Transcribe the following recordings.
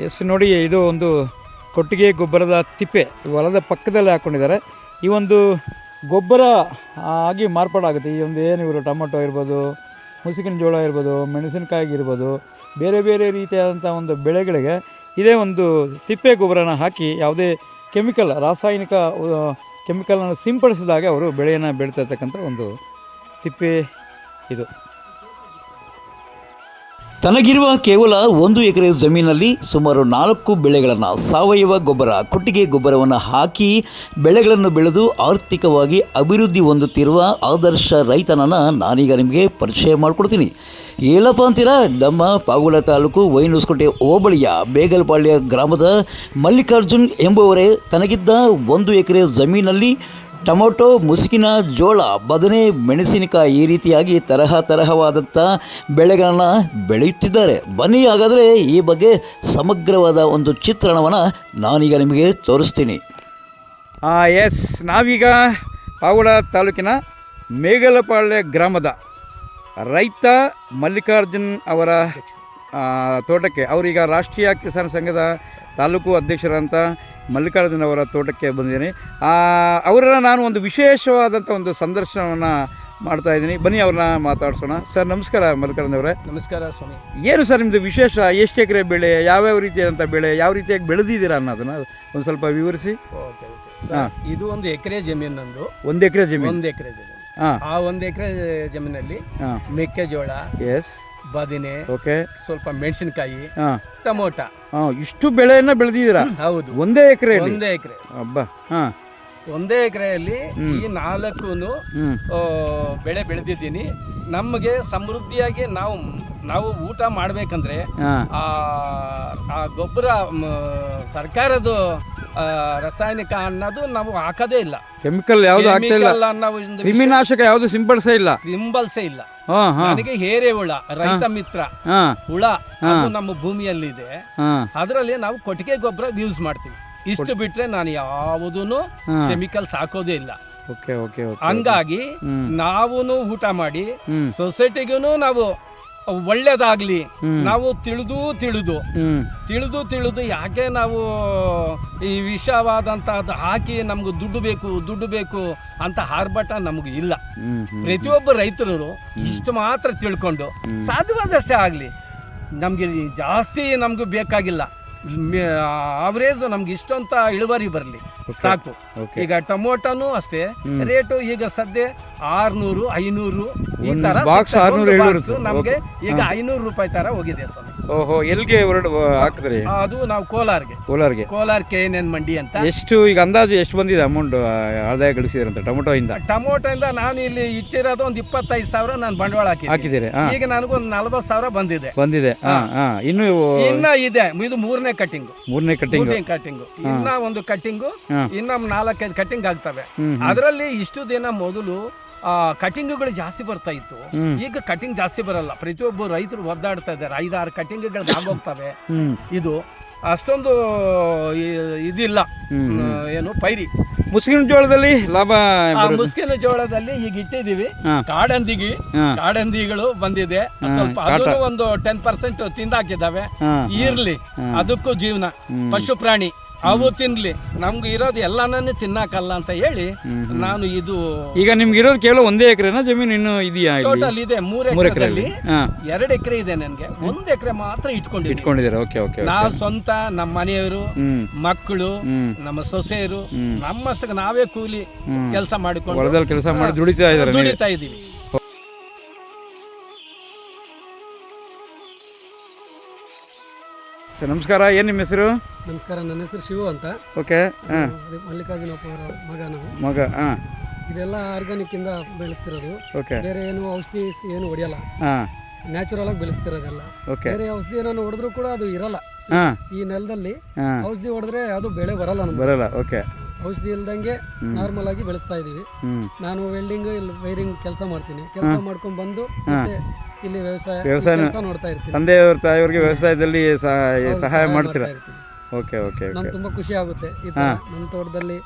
S ನೋಡಿ, ಇದು ಒಂದು ಕೊಟ್ಟಿಗೆ ಗೊಬ್ಬರದ ತಿಪ್ಪೆ ಹೊಲದ ಪಕ್ಕದಲ್ಲಿ ಹಾಕ್ಕೊಂಡಿದ್ದಾರೆ. ಈ ಒಂದು ಗೊಬ್ಬರ ಆಗಿ ಮಾರ್ಪಾಡಾಗುತ್ತೆ. ಈ ಒಂದು ಏನು ಇವರು ಟೊಮೊಟೊ ಇರ್ಬೋದು, ಮುಸುಕಿನ ಜೋಳ ಇರ್ಬೋದು, ಮೆಣಸಿನಕಾಯಿ ಇರ್ಬೋದು, ಬೇರೆ ಬೇರೆ ರೀತಿಯಾದಂಥ ಒಂದು ಬೆಳೆಗಳಿಗೆ ಇದೇ ಒಂದು ತಿಪ್ಪೆ ಗೊಬ್ಬರನ ಹಾಕಿ ಯಾವುದೇ ರಾಸಾಯನಿಕ ಕೆಮಿಕಲನ್ನು ಸಿಂಪಡಿಸಿದಾಗ ಅವರು ಬೆಳೆಯನ್ನು ಬೆಳೀತಿರ್ತಕ್ಕಂಥ ಒಂದು ತಿಪ್ಪೆ ಇದು. ತನಗಿರುವ ಕೇವಲ 1 ಎಕರೆ ಜಮೀನಲ್ಲಿ ಸುಮಾರು 4 ಬೆಳೆಗಳನ್ನು ಸಾವಯವ ಗೊಬ್ಬರ, ಕೊಟ್ಟಿಗೆ ಗೊಬ್ಬರವನ್ನು ಹಾಕಿ ಬೆಳೆಗಳನ್ನು ಬೆಳೆದು ಆರ್ಥಿಕವಾಗಿ ಅಭಿವೃದ್ಧಿ ಹೊಂದುತ್ತಿರುವ ಆದರ್ಶ ರೈತನನ್ನು ನಾನೀಗ ನಿಮಗೆ ಪರಿಚಯ ಮಾಡಿಕೊಡ್ತೀನಿ. ಏನಪ್ಪ ಅಂತೀರಾ, ನಮ್ಮ ಪಾಗುಲ ತಾಲೂಕು ವೈನೂಸ್ಕೋಟೆ ಹೋಬಳಿಯ ಬೇಗಲಪಾಳ್ಯ ಗ್ರಾಮದ ಮಲ್ಲಿಕಾರ್ಜುನ್ ಎಂಬುವರೇ ತನಗಿದ್ದ 1 ಎಕರೆ ಜಮೀನಲ್ಲಿ ಟೊಮೊಟೊ, ಮುಸುಕಿನ ಜೋಳ, ಬದನೆ, ಮೆಣಸಿನಕಾಯಿ ಈ ರೀತಿಯಾಗಿ ತರಹವಾದಂಥ ಬೆಳೆಗಳನ್ನು ಬೆಳೆಯುತ್ತಿದ್ದಾರೆ. ಬನ್ನಿ ಹಾಗಾದರೆ ಈ ಬಗ್ಗೆ ಸಮಗ್ರವಾದ ಒಂದು ಚಿತ್ರಣವನ್ನು ನಾನೀಗ ನಿಮಗೆ ತೋರಿಸ್ತೀನಿ. ಎಸ್, ನಾವೀಗ ಪಾವಗಡ ತಾಲೂಕಿನ ಮೇಗಲಪಾಳ್ಯ ಗ್ರಾಮದ ರೈತ ಮಲ್ಲಿಕಾರ್ಜುನ್ ಅವರ ತೋಟಕ್ಕೆ, ಅವರೀಗ ರಾಷ್ಟ್ರೀಯ ಕಿಸಾನ್ ಸಂಘದ ತಾಲೂಕು ಅಧ್ಯಕ್ಷರಂತ ಮಲ್ಲಿಕಾರ್ಜುನ್ ಅವರ ತೋಟಕ್ಕೆ ಬಂದಿದ್ದೀನಿ. ಅವರನ್ನು ನಾನು ಒಂದು ವಿಶೇಷವಾದಂಥ ಒಂದು ಸಂದರ್ಶನವನ್ನು ಮಾಡ್ತಾಯಿದ್ದೀನಿ. ಬನ್ನಿ ಅವ್ರನ್ನ ಮಾತಾಡ್ಸೋಣ. ಸರ್ ನಮಸ್ಕಾರ ಮಲ್ಲಿಕಾರ್ಜುನ್ ಅವರೇ. ನಮಸ್ಕಾರ ಸ್ವಾಮಿ. ಏನು ಸರ್ ನಿಮ್ಮದು ವಿಶೇಷ? ಎಷ್ಟು ಎಕರೆ ಬೆಳೆ, ಯಾವ್ಯಾವ ರೀತಿಯಾದಂಥ ಬೆಳೆ, ಯಾವ ರೀತಿಯಾಗಿ ಬೆಳೆದಿದ್ದೀರಾ ಅನ್ನೋದನ್ನು ಒಂದು ಸ್ವಲ್ಪ ವಿವರಿಸಿ. ಓಕೆ ಸರ್, ಇದು 1 ಎಕರೆ ಜಮೀನು ನಂದು. 1 ಎಕರೆ ಜಮೀನು. 1 ಎಕರೆ ಜಮೀನು. ಆ 1 ಎಕರೆ ಜಮೀನಲ್ಲಿ ಮೆಕ್ಕೆಜೋಳ, ಎಸ್, ಬದನೆ, ಓಕೆ, ಸ್ವಲ್ಪ ಮೆಣಸಿನಕಾಯಿ, ಟೊಮೊಟೊ, ಇಷ್ಟು ಬೆಳೆಯನ್ನ ಬೆಳೆದಿದ್ದೀರಾ? ಹೌದು, 1 ಎಕರೆ. 1 ಎಕರೆ. ಹಬ್ಬ. 1 ಎಕರೆಯಲ್ಲಿ ಈ 4 ಬೆಳೆ ಬೆಳೆದಿದ್ದೀನಿ. ನಮಗೆ ಸಮೃದ್ಧಿಯಾಗಿ ನಾವು ಊಟ ಮಾಡ್ಬೇಕಂದ್ರೆ ಆ ಗೊಬ್ಬರ ಸರ್ಕಾರದ ರಾಸಾಯನಿಕ ಅನ್ನೋದು ನಾವು ಹಾಕೋದೇ ಇಲ್ಲ. ಕೆಮಿಕಲ್ ಯಾವುದು ಹಾಕ್ತಾ ಇಲ್ಲ, ಕ್ರಿಮಿನಾಶಕ ಯಾವುದು ಸಿಂಪಡಿಸೇ ಇಲ್ಲ. ನನಗೆ ಹುಳ, ರೈತ ಮಿತ್ರ ಹುಳ, ಅದು ನಮ್ಮ ಭೂಮಿಯಲ್ಲಿದೆ. ಅದರಲ್ಲಿ ನಾವು ಕೊಟ್ಟಿಗೆ ಗೊಬ್ಬರ ಯೂಸ್ ಮಾಡ್ತೀವಿ. ಇಷ್ಟು ಬಿಟ್ರೆ ನಾನು ಯಾವುದೂ ಕೆಮಿಕಲ್ಸ್ ಹಾಕೋದೇ ಇಲ್ಲ. ಹಂಗಾಗಿ ನಾವು ಊಟ ಮಾಡಿ ಸೊಸೈಟಿಗೂ ನಾವು ಒಳ್ಳೇದಾಗ್ಲಿ, ನಾವು ತಿಳಿದು ಯಾಕೆ ನಾವು ಈ ವಿಷವಾದಂತಹದ್ದು ಹಾಕಿ ನಮ್ಗೆ ದುಡ್ಡು ಬೇಕು ಅಂತ ಆರ್ಭಟ ನಮ್ಗೆ ಇಲ್ಲ. ಪ್ರತಿಯೊಬ್ಬ ರೈತರು ಇಷ್ಟು ಮಾತ್ರ ತಿಳ್ಕೊಂಡು ಸಾಧ್ಯವಾದಷ್ಟೇ ಆಗ್ಲಿ, ನಮ್ಗೆ ಜಾಸ್ತಿ ನಮ್ಗೆ ಬೇಕಾಗಿಲ್ಲ, ಆವರೇಜ್ ನಮ್ಗೆ ಇಷ್ಟಂತ ಇಳುವರಿ ಬರಲಿ ಸಾಕು. ಈಗ ಟೊಮೊಟೊನು ಅಷ್ಟೇ ರೇಟು ಈಗ ಸದ್ಯ 600, 500 ಈ ತರ ನಮ್ಗೆ ಈಗ 500 ರೂಪಾಯಿ ತರ ಹೋಗಿದೆ ಸ್ವಾಮಿ. ಓಹೋ, ಎಲ್ಲಿಗೆ ಹಾಕಿದ್ರಿ? ಅದು ನಾವು ಕೋಲಾರ KNN ಮಂಡಿ ಅಂತ. ಎಷ್ಟು ಈಗ ಅಂದಾಜು ಎಷ್ಟು ಬಂದಿದೆ ಅಮೌಂಟ್ ಆದಾಯ ಗಳಿಸಿದ್ರಂತ ಟೊಮೊಟೊ ಇಂದ ನಾನು ಇಲ್ಲಿ ಇಟ್ಟಿರೋದು ಒಂದು 25,000 ನಾನು ಬಂಡವಾಳ ಹಾಕಿದ್ದೀರಿ. ಈಗ ನನಗೊಂದು 40,000 ಬಂದಿದೆ. ಇನ್ನ ಇದೆ, ಇದು 3ನೇ ಕಟಿಂಗ್. ಇನ್ನ ಒಂದು ಕಟಿಂಗು, ಇನ್ನ 4-5 ಕಟಿಂಗ್ ಆಗ್ತವೆ. ಅದರಲ್ಲಿ ಇಷ್ಟು ದಿನ ಮೊದಲು ಕಟಿಂಗ್ಗಳು ಜಾಸ್ತಿ ಬರ್ತಾ ಇತ್ತು. ಈಗ ಕಟಿಂಗ್ ಜಾಸ್ತಿ ಬರಲ್ಲ. ಪ್ರತಿಯೊಬ್ಬರು ರೈತರು ಒದ್ದಾಡ್ತಾ ಇದ್ದಾರೆ. 5-6 ಕಟಿಂಗ್ಗಳು ಆಗೋಗ್ತವೆ. ಇದು ಅಷ್ಟೊಂದು ಇದಿಲ್ಲ. ಏನು ಪೈರಿ ಮುಸ್ಕಿನ ಜೋಳದಲ್ಲಿ ಲಾಭ? ಮುಸ್ಕಿನ ಜೋಳದಲ್ಲಿ ಈಗ ಇಟ್ಟಿದೀವಿ. ಕಾಡಂದಿಗಳು ಬಂದಿದೆ ಸ್ವಲ್ಪ, ಅದನ್ನು ಒಂದು 10% ತಿಂದಾಕಿದ್ದಾವೆ. ಇರ್ಲಿ, ಅದಕ್ಕೂ ಜೀವನ, ಪಶು ಪ್ರಾಣಿ ಅವು ತಿನ್ಲಿ, ನಮ್ಗೆ ಇರೋದು ಎಲ್ಲಾನು ತಿನ್ನಕಲ್ಲ ಅಂತ ಹೇಳಿ ನಾನು ಇದು. ಈಗ ನಿಮ್ಗೆ ಇರೋದು ಕೇವಲ 1 ಎಕರೆನಾ ಜಮೀನು? ಇನ್ನು ಇದೆಯಾ? ಟೋಟಲ್ ಇದೆ 3 ಎಕರೆಯಲ್ಲಿ 2 ಎಕರೆ ಇದೆ ನನಗೆ. 1 ಎಕರೆ ಮಾತ್ರ ಇಟ್ಕೊಂಡಿದ್ದಾರೆ. ನಾವು ಸ್ವಂತ, ನಮ್ಮ ಮನೆಯವರು, ಮಕ್ಕಳು, ನಮ್ಮ ಸೊಸೆಯರು, ನಮ್ಮಷ್ಟಕ್ಕೆ ನಾವೇ ಕೂಲಿ ಕೆಲಸ ಮಾಡಿಕೊಂಡು ಕೆಲಸ ಮಾಡಿ ದುಡಿತಾ ಇದೀವಿ. ಸರ್ ನಮಸ್ಕಾರ, ಏನು ನಿಮ್ಮ ಹೆಸರು? ನಮಸ್ಕಾರ, ನನ್ನ ಹೆಸರು ಶಿವು ಅಂತ. ಓಕೆ. ಮಲ್ಲಿಕಾರ್ಜುನಪ್ಪ ಅವರ ಮಗ. ಇದೆಲ್ಲ ಆರ್ಗಾನಿಕ್ ಇಂದ ಬೆಳೆಸ್ತಿರೋದು. ಬೇರೆ ಏನು ಔಷಧಿ ಏನು ಹೊಡೆಯಲ್ಲ, ನ್ಯಾಚುರಲ್ ಆಗಿ ಬೆಳೆಸ್ತಿರೋದೆಲ್ಲ. ಬೇರೆ ಔಷಧಿ ಏನಾದ್ರು ಹೊಡೆದ್ರು ಕೂಡ ಅದು ಇರಲ್ಲ. ಈ ನೆಲದಲ್ಲಿ ಔಷಧಿ ಹೊಡೆದ್ರೆ ಅದು ಬೆಳೆ ಬರಲ್ಲ. ಔಷಧಿ ಇಲ್ದಂಗೆ ನಾರ್ಮಲ್ ಆಗಿ ಬೆಳೆಸ್ತಾ ಇದೀವಿ. ನಾನು ವೆಲ್ಡಿಂಗ್, ವೈರಿಂಗ್ ಕೆಲಸ ಮಾಡ್ತೀನಿ. ಕೆಲಸ ಮಾಡ್ಕೊಂಡ್ ಬಂದು ಇಲ್ಲಿ ವ್ಯವಸಾಯ ನೋಡ್ತಾ ಇರ್ತೀನಿ. ತಂದೆಯವ್ರ ತಾಯಿಯವ್ರಿಗೆ ವ್ಯವಸಾಯದಲ್ಲಿ ಸಹಾಯ ಮಾಡ್ತೀರಾ? ನಮ್ಗೆ ತುಂಬಾ ಖುಷಿ ಆಗುತ್ತೆ. ಈ ತರ ನಮ್ಮ ತೋಟದಲ್ಲಿ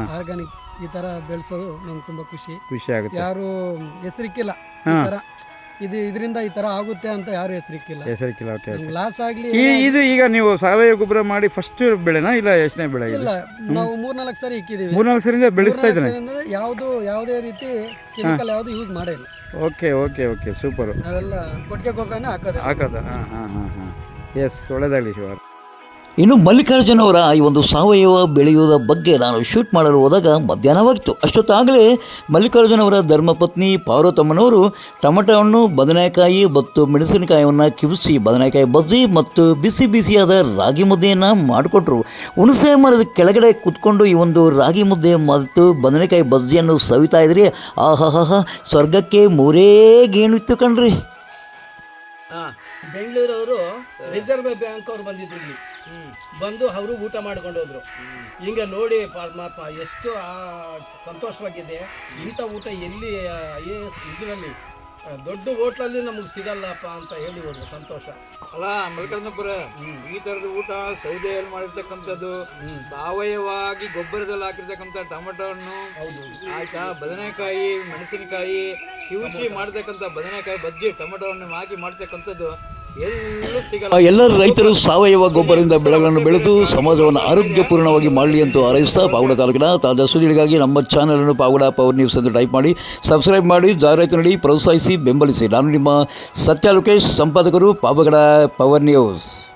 ಆರ್ಗಾನಿಕ್ ಈ ತರ ಬೆಳೆಸೋದು ನಮ್ಗೆ ತುಂಬಾ ಖುಷಿ ಆಗುತ್ತೆ. ಯಾರು ಹೆಸರಿಕ್ಕಿಲ್ಲ ಈ ತರ ಇದರಿಂದ ಈ ತರ ಆಗುತ್ತೆ ಅಂತ ಯಾರು ಹೆಸರಿಕ್ಕಿಲ್ಲ. ಹೆಸರಿಕ್ಕಿಲ್ಲ. ಓಕೆ. ಲಾಸ್ ಆಗ್ಲಿ ಇದು ಈಗ ನೀವು ಸಾವಯವ ಗೊಬ್ಬರ ಮಾಡಿ ಫಸ್ಟ್ ಬೆಳೆನಾ ಇಲ್ಲ ಎಷ್ಟನೇ ಬೆಳೆ? ಇಲ್ಲ, ನಾವು 3-4 ಸಾರಿ ಇಕ್ಕಿದೀವಿ. 3-4 ಸರಿಯಿಂದ ಬೆಳೆಸ್ತಾ ಇದ್ದಾನೆ. ಅಂದ್ರೆ ಯಾವುದೇ ರೀತಿ ಕೆಮಿಕಲ್ ಯಾವುದು ಯೂಸ್ ಮಾಡಿಲ್ಲ. Okay okay okay, super. ನಾವೆಲ್ಲ ಕೊಟ್ಟಿಗೆ ಗೊಬ್ಬರನೇ ಹಾಕೋದು. ಹಾಂ. ಎಸ್, ಒಳ್ಳೆಯದಾಗಲಿ ಶಿವಾರ್. ಇನ್ನು ಮಲ್ಲಿಕಾರ್ಜುನ ಅವರ ಈ ಒಂದು ಸಾವಯವ ಬೆಳೆಯುವುದ ಬಗ್ಗೆ ನಾನು ಶೂಟ್ ಮಾಡಲು ಹೋದಾಗ ಮಧ್ಯಾಹ್ನವಾಗಿತ್ತು. ಅಷ್ಟೊತ್ತಾಗಲೇ ಮಲ್ಲಿಕಾರ್ಜುನ ಅವರ ಧರ್ಮಪತ್ನಿ ಪಾರ್ವತಮ್ಮನವರು ಟೊಮೆಟೊ ಹಣ್ಣು, ಬದನೆಕಾಯಿ ಮತ್ತು ಮೆಣಸಿನಕಾಯಿಯನ್ನು ಕಿವಿಸಿ ಬದನೆಕಾಯಿ ಬಜ್ಜಿ ಮತ್ತು ಬಿಸಿ ಬಿಸಿಯಾದ ರಾಗಿ ಮುದ್ದೆಯನ್ನು ಮಾಡಿಕೊಟ್ರು. ಹುಣಸೆ ಮರದ ಕೆಳಗಡೆ ಕೂತ್ಕೊಂಡು ಈ ಒಂದು ರಾಗಿ ಮುದ್ದೆ ಮತ್ತು ಬದನೆಕಾಯಿ ಬಜ್ಜಿಯನ್ನು ಸವಿತಾ ಇದ್ರಿ. ಆಹಾಹಾ, ಸ್ವರ್ಗಕ್ಕೆ ಮೂರೇ ಗೇಣಿತ್ತು ಕಣ್ರಿ. ಬೆಂಗಳೂರವರು ರಿಸರ್ವ್ ಬ್ಯಾಂಕ್ ಅವ್ರು ಬಂದಿದ್ರು ಇಲ್ಲಿ, ಬಂದು ಅವರು ಊಟ ಮಾಡ್ಕೊಂಡು ಹೋದ್ರು. ಹಿಂಗೆ ನೋಡಿ ಪರಮಾತ್ಮ ಎಷ್ಟು ಸಂತೋಷವಾಗಿದೆ. ಇಂಥ ಊಟ ಎಲ್ಲಿ ಇದರಲ್ಲಿ ದೊಡ್ಡ ಹೋಟ್ಲಲ್ಲಿ ನಮಗೆ ಸಿಗಲ್ಲಪ್ಪ ಅಂತ ಹೇಳಿ ಹೋದ್ರು. ಸಂತೋಷ ಅಲ್ಲ ಮಲ್ಲಿಕಾರ್ಜುನಪುರ, ಈ ಥರದ ಊಟ ಸೌದೆಯಲ್ಲಿ ಮಾಡಿರ್ತಕ್ಕಂಥದ್ದು, ಸಾವಯವಾಗಿ ಗೊಬ್ಬರದಲ್ಲಿ ಹಾಕಿರ್ತಕ್ಕಂಥ ಟೊಮೆಟೊ ಹಣ್ಣು, ಹೌದು ಆಯ್ತಾ, ಬದನೆಕಾಯಿ, ಮೆಣಸಿನಕಾಯಿ ಕಿವುಚಿ ಮಾಡ್ತಕ್ಕಂಥ ಬದನೆಕಾಯಿ ಬಜ್ಜಿ, ಟೊಮೆಟೊ ಹಣ್ಣು ಹಾಕಿ ಮಾಡ್ತಕ್ಕಂಥದ್ದು ಎಲ್ಲೂ ಸಿಗಲ್ಲ. ಎಲ್ಲ ರೈತರು ಸಾವಯವ ಗೊಬ್ಬರದಿಂದ ಬೆಳೆಗಳನ್ನು ಬೆಳೆದು ಸಮಾಜವನ್ನು ಆರೋಗ್ಯಪೂರ್ಣವಾಗಿ ಮಾಡಲಿ ಅಂತ ಹಾರೈಸ್ತಾ ಪಾವಗಡ ತಾಲೂಕಿನ ತಾಜಾ ಸುದ್ದಿಗಳಿಗಾಗಿ ನಮ್ಮ ಚಾನಲನ್ನು ಪಾವಗಡ ಪವರ್ ನ್ಯೂಸ್ ಎಂದು ಟೈಪ್ ಮಾಡಿ ಸಬ್ಸ್ಕ್ರೈಬ್ ಮಾಡಿ, ಜಾಹೀರಾತು ನೀಡಿ ಪ್ರೋತ್ಸಾಹಿಸಿ ಬೆಂಬಲಿಸಿ. ನಾನು ನಿಮ್ಮ ಸತ್ಯ ಲೋಕೇಶ್, ಸಂಪಾದಕರು ಪಾವಗಡ ಪವರ್ ನ್ಯೂಸ್.